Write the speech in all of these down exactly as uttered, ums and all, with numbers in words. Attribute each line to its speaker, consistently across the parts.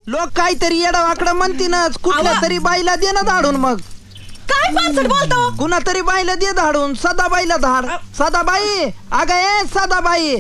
Speaker 1: लोक काहीतरी येडा वाकडा म्हणतीनच कुठल्या तरी बाईला दे ना धाडून मग
Speaker 2: काय पानसट बोलतो
Speaker 1: कुणा तरी बाईला दे धाडून सदाबाईला धाड सदाबाई अगं ए सदाबाई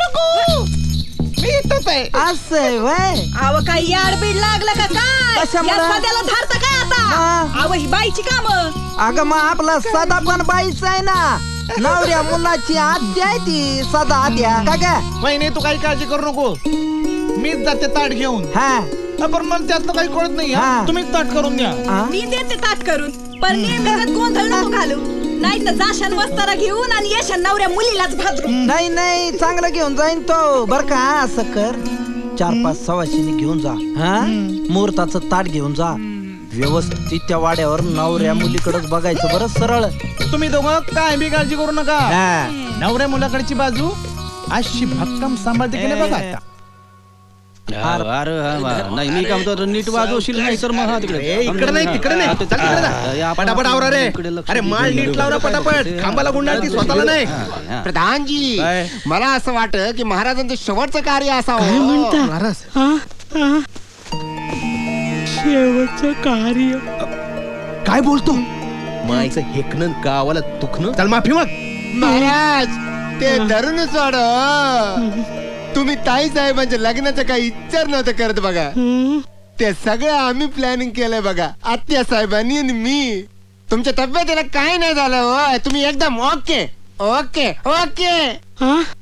Speaker 1: असं वय
Speaker 2: अव काय याड बीड लागलं का काय
Speaker 1: कशामुळं?
Speaker 2: या सध्याला धारता काय आता
Speaker 1: हा.
Speaker 2: अव ही बाईची काम
Speaker 1: अगं मग आपला सदा पण बाईच आहे ना नवऱ्या मुलाची आद्या आहे ती सदा आद्या का ग
Speaker 3: वहिनी तू काही काळजी करू नको मीच जाते ताट घेऊन
Speaker 1: हा
Speaker 3: हा, पण मला त्यातलं काही कळत नाही हा.
Speaker 1: हा.
Speaker 3: तुम्हीच ताट करून द्या
Speaker 1: हा?
Speaker 2: मी देते ताट करून पण नेमकं गोंधळ नको घालू नाही तर जाशान वस्तारा घेऊन आणि येशान नवऱ्या मुलीलाच भाजरू
Speaker 1: नाही नाही चांगलं घेऊन जाईन तो बर का असं कर चार पाच सवाशिनी घेऊन जा हा मुहूर्ताचं ताट घेऊन जा व्यवस्थित त्या वाड्यावर नवऱ्या मुलीकडेच बघायचं बरं सरळ
Speaker 3: तुम्ही दोघं काय बी काळजी करू नका
Speaker 1: हा.
Speaker 3: नवऱ्या मुलाकडची बाजू अशी भक्कम सांभाळते की नाही बघा आता.
Speaker 4: अरे अरे नाही मी काय म्हणतो नीट वाजवशील नाही तर मग हा तिकडे
Speaker 3: ए, इकडे नाही तिकडे नाही चल तिकडे जा. पटापट आवरा रे अरे माळ नीट लावला पटापट खांबाला गुंडाळती स्वतःला नाही
Speaker 5: प्रधानजी
Speaker 3: काय?
Speaker 5: मला असं वाटत की महाराजांचं शेवटचं कार्य असावं
Speaker 3: महाराज काय बोलतो मायचं हेकणं गावाला दुखणं चल माफी मग
Speaker 5: महाराज ते धरून सोड तुम्ही ताई साहेबांच्या लग्नाचं काही विचार नव्हतं करत बघा ते सगळं आम्ही प्लॅनिंग केलंय बघा आत्या साहेबांनी आणि मी तुमच्या तब्येतीला काय नाही झालं हो तुम्ही एकदम ओके ओके ओके